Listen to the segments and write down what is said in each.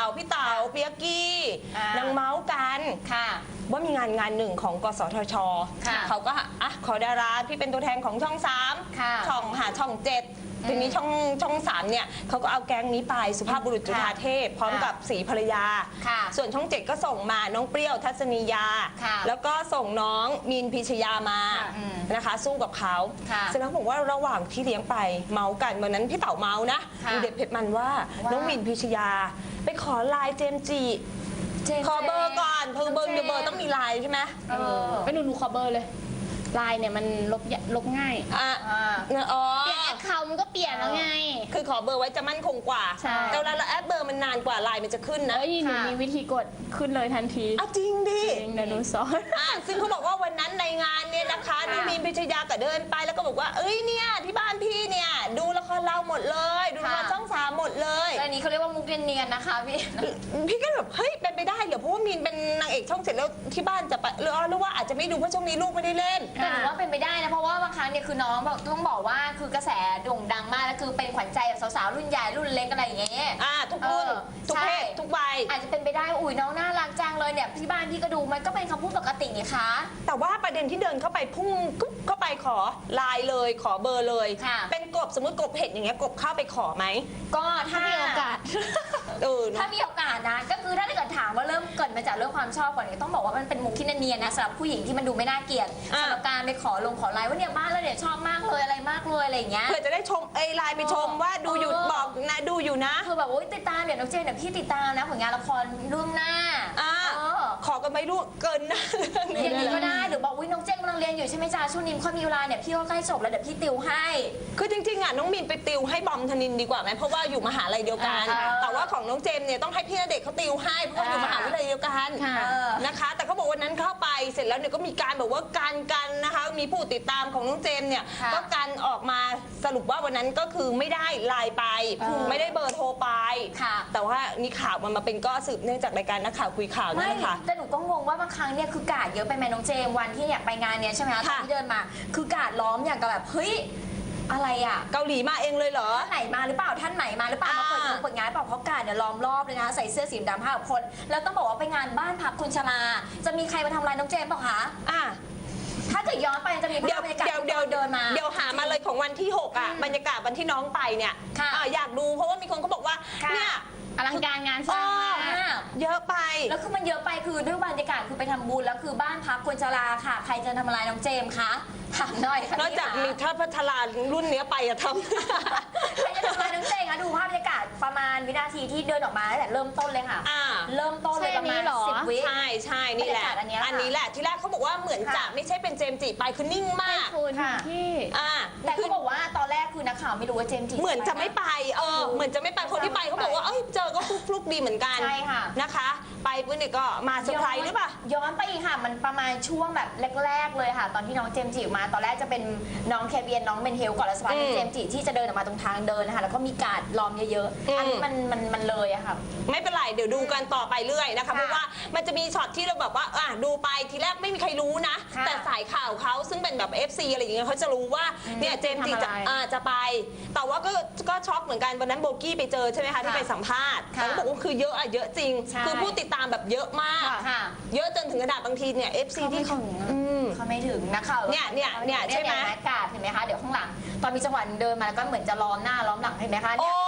พี่เต๋าเปียกกี้นางเมาส์กันว่ามีงานหนึ่งของกสทช.เขาก็ขอดาราที่เป็นตัวแทนของช่อง3ช่อง7ทีนี้ช่อง3เนี่ยเขาก็เอาแก๊งนี้ไปสุภาพบุรุษจุฑาเทพพร้อมกับศรีภรรยาส่วนช่อง7ก็ส่งมาน้องเปรี้ยวทัศนียาแล้วก็ส่งน้องมีนพิชยามานะคะสู้กับเขาเสร็จแล้วบอกว่าระหว่างที่เลี้ยงไปเมากันวันนั้นพี่เต๋าเมานะดูเด็ดเผ็ดมันว่าน้องมีนพิชยาไปขอไลน์เจมส์จีขอเบอร์ก่อนเบอร์ต้องมีไลน์ใช่ไหมไปหนูขอเบอร์เลยไลน์เนี่ยมันลบง่ายเปลี่ยนแอคเคาท์มันก็เปลี่ยนแล้วไงคือขอเบอร์ไว้จะมั่นคงกว่าแต่เวลาเราแอดเบอร์มันนานกว่าไลน์มันจะขึ้นนะหนูมีวิธีกดขึ้นเลยทันทีจริงดิเดี๋ยวหนูสอนซึ่งเขาบอกว่าวันนั้นในงานเนี่ยนะคะน้องมีนพิชยาก็เดินไปแล้วก็บอกว่าเนี่ยที่บ้านพี่เนี่ยดูละครเราหมดเลยดูละครช่อง3หมดเลยอันนี้เขาเรียกว่ามุกเนียนๆนะคะพี่ก็แบบเฮ้ยเป็นไปได้เหรอเพราะว่ามีนเป็นนางเอกช่อง7แล้วที่บ้านจะไปหรือว่าอาจจะไม่ดูเพราะช่วงนี้ลูกไม่ได้เล่นแต่หนูว่าเป็นไปได้นะเพราะว่าบางครั้งเนี่ยคือน้องต้องบอกว่าคือกระแสโด่งดังมากแล้วคือเป็นขวัญใจแบบสาวๆรุ่นใหญ่รุ่นเล็กอะไรอย่างเงี้ยทุกรุ่นทุกเพศทุกวัยอาจจะเป็นไปได้อุ้ยน้องน่ารักจังเลยเนี่ยที่บ้านพี่ก็ดูมันก็เป็นคำพูดปกตินี่คะแต่ว่าประเด็นที่เดินเข้าไปพุ่งเข้าไปขอไลน์เลยขอเบอร์เลยเป็นกบสมมติกบเห็ดอย่างเงี้ยกบเข้าไปขอไหมก็ถ้ามีโอกาสถ้ามีโอกาสนะก็คือถ้าเกิดถามว่าเริ่มเกิดมาจากเรื่องความชอบก่อนเนี่ยต้องบอกว่ามันเป็นมุกที่เนียนๆนะสำหรับผู้หญิงที่มันดูไม่น่าเกลียดสำหรับการไปขอไลน์ว่าเนี่ยบ้านแล้วเนี่ยชอบมากเลยอะไรมากเลยอะไรอย่างเงี้ยเพื่อจะได้ชมไลน์ไปชมว่าดูอยู่บอกนะดูอยู่นะคือแบบโอ๊ยติดตามเดี๋ยวน้องเจนเดี๋ยวพี่ติดตามนะผลงานละครเรื่องหน้าขอกันไม่รู้เกินนะอย่างนี้ก็ได้หรือบอกวิน้องเจนกำลังเรียนอยู่ใช่ไหมจ๊ะช่วงนี้ค่อยมีเวลาเนี่ยพี่ก็ใกล้จบแล้วเดี๋ยวพี่ติวให้คือจริงๆน้องมินไปติวให้บอมธนินดีกว่าไหมเพราะว่าอยู่มหาลัยเดียวกันแต่ว่าของน้องเจมเนี่ยต้องให้พี่ณเดชน์เขาติวให้เพราะว่าอยู่มหาวิทยาลัยเดียวกันนะคะแต่เขาบอกวันนั้นเข้าไปเสร็จแล้วเนี่ยก็มีการแบบว่ากันนะคะมีผู้ติดตามของน้องเจมเนี่ยก็กันออกมาสรุปว่าวันนั้นก็คือไม่ได้ไลน์ไปไม่ได้เบอร์โทรไปแต่ว่านี่ข่าวมันมาเป็นก็สืบเนื่องจากรายการนักข่าวคุยข่าวนั่นแหละค่ะแต่หนูก็งงว่าบางครั้งเนี่ยคือกาดเยอะไปไหมน้องเจมวันที่เนี่ยไปงานเนี่ยใช่ไหมคะตอนที่เดินมาคือกาดล้อมอย่างกับแบบเฮ้ยอะไรอ่ะเกาหลีมาเองเลยเหรอท่านไหนมาหรือเปล่าท่านไหนมาหรือเปล่ามาเปิดงานเปล่าเพราะกาดเนี่ยล้อมรอบเลยนะคะใส่เสื้อสีดำ5 คนแล้วต้องบอกว่าไปงานบ้านพักคุณชลาจะมีใครมาทำลายน้องเจมเปล่าคะถ้าเกิดย้อนไปจะมีภาพบรรยากาศเดินมาเดี๋ยวหามาเลยของวันที่6บรรยากาศวันที่น้องไปเนี่ยอยากดูเพราะว่ามีคนเขาบอกว่าเนี่ยอลังการงานสร้างเยอะไปแล้วคือมันเยอะไปคือด้วยบรรยากาศคือไปทำบุญแล้วคือบ้านพักคนชราค่ะใครจะทำลายน้องเจมคะถามหน่อยนอกจากมีถ้าพัฒนารุ่นนี้ไปทำใครจะทำลายน้องเจมคะดูภาพบรรยากาศประมาณวินาทีที่เดินออกมาตั้งแต่เริ่มต้นเลยค่ะเริ่มต้นเลยประมาณ10 วิใช่นี่แหละอันนี้แหละที่แรกเขาบอกว่าเหมือนจะไม่ใช่เป็นเจมจีไปคือนิ่งมากที่แต่เขาบอกว่าตอนแรกคือนักข่าวไม่รู้ว่าเจมจีเหมือนจะไม่ไปเหมือนจะไม่ไปคนที่ไปเขาบอกว่าเจอก็ฟลุกดีเหมือนกันใช่ค่ะนะคะไปปุ๊บเนี่ยก็มาเซอร์ไพรส์หรือเปล่าย้อนไปอีกค่ะมันประมาณช่วงแบบแรกๆเลยค่ะตอนที่น้องเจมจีมาตอนแรกจะเป็นน้องเคเบียนน้องเบนเฮลก่อนแล้วสักพักเจมจีที่จะเดินออกมาตรงทางเดินนะคะแล้วก็มีการ์ดล้อมเยอะๆอันนี้มันเลยอะค่ะไม่เป็นไรเดี๋ยวดูกันต่อไปเรื่อยนะคะเพราะว่ามันจะมีช็อตที่เราแบบว่าดูไปทีแรกไม่มีใครรู้นะแต่สายข่าวเขาซึ่งเป็นแบบ FC อะไรอย่างเงี้ยเขาจะรู้ว่าเนี่ยเจมจีจะไปแต่ว่าก็ช็อกเหมือนกันวันนั้นโบกี้ไปเจอใช่ไหมคะที่ไปสัมภาษณ์เขาบอกว่าคือเยอะจริงคือผู้ติดตามแบบเยอะมากเยอะจนถึงขนาดบางทีเนี่ย FC ที่เขาไม่ถึงนะคะเนี่ยใช่ไหมกาดเห็นไหมคะเดี๋ยวข้างหลังตอนมีจังหวะเดินมาก็เหมือนจะล้อมหน้าล้อมหลังเห็นไหมคะเนี่ย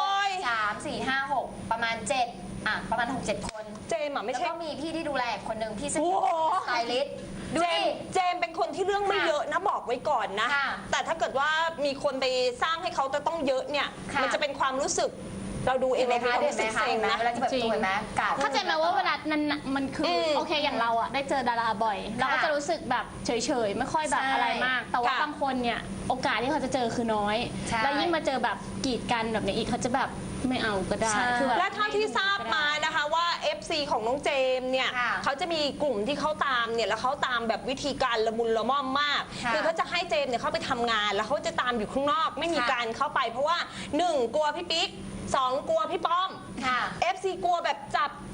3 4 5 6ประมาณ7ประมาณ 6-7 คนเจมไม่ใช่แล้วก็มีพี่ที่ดูแลคนหนึ่งพี่สไตลิสต์เจมเป็นคนที่เรื่องไม่เยอะนะบอกไว้ก่อนนะแต่ถ้าเกิดว่ามีคนไปสร้างให้เขาจะต้องเยอะเนี่ยมันจะเป็นความรู้สึกเราดูเองนะคะเห็นไหมคะเวลาที่แบบตัวเห็นไหมเข้าใจไหมว่าเวลานั้นมันคือโอเคอย่างเราได้เจอดาราบ่อยเราก็จะรู้สึกแบบเฉยๆไม่ค่อยแบบอะไรมากแต่ว่าบางคนเนี่ยโอกาสที่เขาจะเจอคือน้อยแล้วยิ่งมาเจอแบบกีดกันแบบนี้อีกเขาจะแบบไม่เอาก็ได้และเท่าที่ทราบมานะคะว่า FC ของน้องเจมเนี่ยเขาจะมีกลุ่มที่เขาตามเนี่ยแล้วเขาตามแบบวิธีการละมุนละม่อมมากคือเขาจะให้เจมเนี่ยเข้าไปทำงานแล้วเขาจะตามอยู่ข้างนอกไม่มีการเข้าไปเพราะว่า1กลัวพี่ปิ๊ก2กลัวพี่ป้อมFC กลัวแบบจับใจเลย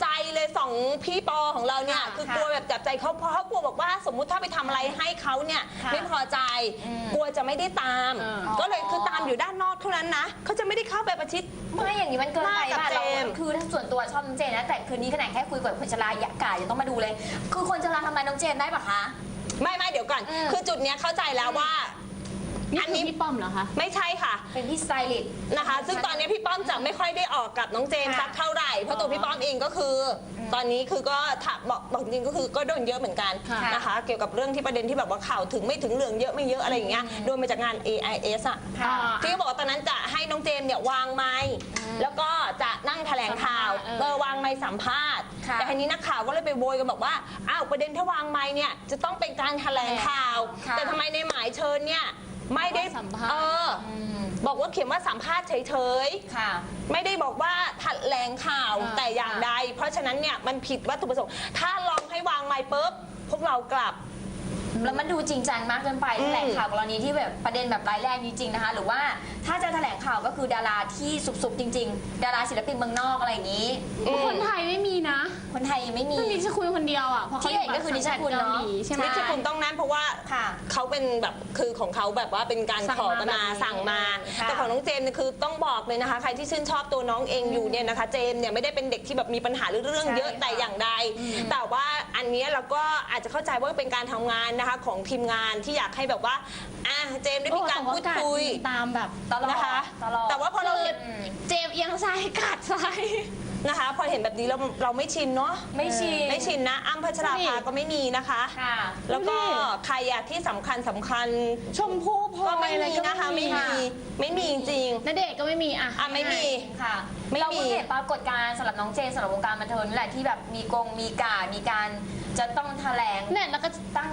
เลยสองพี่ปอของเราเนี่ยคือกลัวแบบจับใจเขาเพราะเขากลัวบอกว่าสมมุติถ้าไปทำอะไรให้เขาเนี่ยไม่พอใจกลัวจะไม่ได้ตาม ก็เลยคือตามอยู่ด้านนอกเท่านั้นนะเขาจะไม่ได้เข้าไปประชิดไม่อย่างนี้มันเกินไปมากกับป่ะเราเจมส์คือส่วนตัวชอบน้องเจนนะแต่คืนนี้ขนาดแค่คุยกับคนชราอยากกายังต้องมาดูเลย คือคนชราทำร้ายน้องเจนได้ปะคะไม่เดี๋ยวก่อนคือจุดเนี้ยเข้าใจแล้วว่านี่คือพี่ป้อมเหรอคะไม่ใช่ค่ะเป็นพี่สไตลิสต์นะคะ ซึ่งตอนนี้พี่ป้อมจะไม่ค่อยได้ออกกับน้องเจมส์สักเท่าไหร่เพราะตัวพี่ป้อมเองก็คือ ตอนนี้คือก็บอกจริงก็คือก็โดนเยอะเหมือนกันนะคะ เกี่ยวกับเรื่องที่ประเด็นที่แบบว่าข่าวถึงไม่ถึงเหลืองเยอะไม่เยอะอะไรอย่างเงี้ยโดนมาจากงาน AIS อ่ะที่เขาบอกว่าตอนนั้นจะให้น้องเจมส์เนี่ยวางไมค์แล้วก็จะนั่งแถลงข่าววางไมค์สัมภาษณ์แต่ทีนี้นักข่าวก็เลยไปโวยกันบอกว่าอ้าวประเด็นถ้าวางไมค์เนี่ยจะต้องเป็นการแถลงข่าวแต่ทำไมในหมายเชิญเนี่ยไม่ได้สัมภาษณ์บอกว่าเขียนว่าสัมภาษณ์เฉยๆไม่ได้บอกว่าแถลงข่าวแต่อย่างใดเพราะฉะนั้นเนี่ยมันผิดวัตถุประสงค์ถ้าลองให้วางไมค์ปุ๊บพวกเรากลับแล้วมันดูจริงจังมากเกินไปแถลงข่าวกรณีที่แบบประเด็นแบบร้ายแรงจริงๆนะคะหรือว่าถ้าจะแถลงข่าวก็คือดาราที่สุบๆจริงๆดาราศิลปินเมืองนอกอะไรอย่างนี้คนไทยไม่มีนะคนไทยยังไม่มีนิชคุณคนเดียวอ่ะเพราะเขาที่เห็นก็คือนิชคุณเนอะใช่ไหมนิชคุณต้องนั้นเพราะว่าเขาเป็นแบบคือของเขาแบบว่าเป็นการขอมาสั่งมาแต่ของน้องเจมส์เนี่ยคือต้องบอกเลยนะคะใครที่ชื่นชอบตัวน้องเองอยู่เนี่ยนะคะเจมส์เนี่ยไม่ได้เป็นเด็กที่แบบมีปัญหาเรื่องเยอะแต่อย่างใดแต่ว่าอันนี้เราก็อาจจะเข้าใจว่าเป็นการทำงานนะคะของทีมงานที่อยากให้แบบว่าเจมส์ได้มีการพูดคุยตามแบบตลอดนะคะตลอดแต่ว่าพอเราเห็นเจมส์เอียงซ้ายกัดซ้ายนะคะพอเห็นแบบนี้เราไม่ชินเนาะไม่ชินนะอ้ำพัชราภาก็ไม่มีนะคะค่ะแล้วก็ใครอะที่สำคัญชมพู่พลอยก็ไม่อะไรมีนะคะไม่มีจริงณเดชน์ก็ไม่มีอ่ะไม่มีค่ะไม่มีเราเพิ่งเห็นปรากฏการณ์สำหรับน้องเจนสำหรับวงการบันเทิงนี่แหละที่แบบมีการจะต้องแถลงเนี่ยแล้วก็ตั้ง